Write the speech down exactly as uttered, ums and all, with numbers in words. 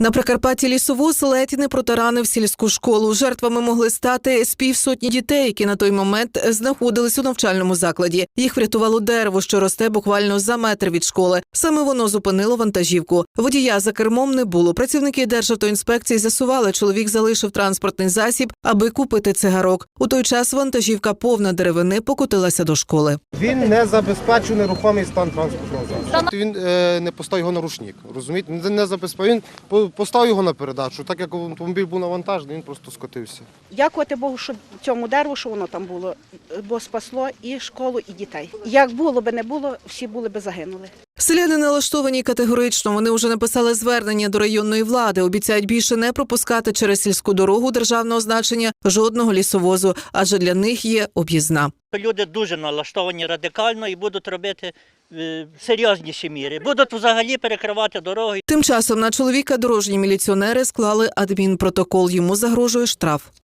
На Прикарпатті лісовоз ледь не протаранив сільську школу. Жертвами могли стати з півсотні дітей, які на той момент знаходились у навчальному закладі. Їх врятувало дерево, що росте буквально за метр від школи. Саме воно зупинило вантажівку. Водія за кермом не було. Працівники Державтоінспекції з'ясували, чоловік залишив транспортний засіб, аби купити цигарок. У той час вантажівка повна деревини покотилася до школи. Він не забезпечив нерухомий стан транспортного засобу. Він е, не поставив його на ручник, розумієте? Він не забезпечив, він поставив його на передачу. Так як автомобіль був навантажений, він просто скотився. Дякувати Богу, що цьому дереву, що воно там було, бо спасло і школу, і дітей. Як було би не було, всі були би загинули. Селяни налаштовані категорично. Вони вже написали звернення до районної влади. Обіцяють більше не пропускати через сільську дорогу державного значення жодного лісовозу, адже для них є об'їзна. Люди дуже налаштовані радикально і будуть робити е, серйозніші міри. Будуть взагалі перекривати дороги. Тим часом на чоловіка дорожні міліціонери склали адмінпротокол. Йому загрожує штраф.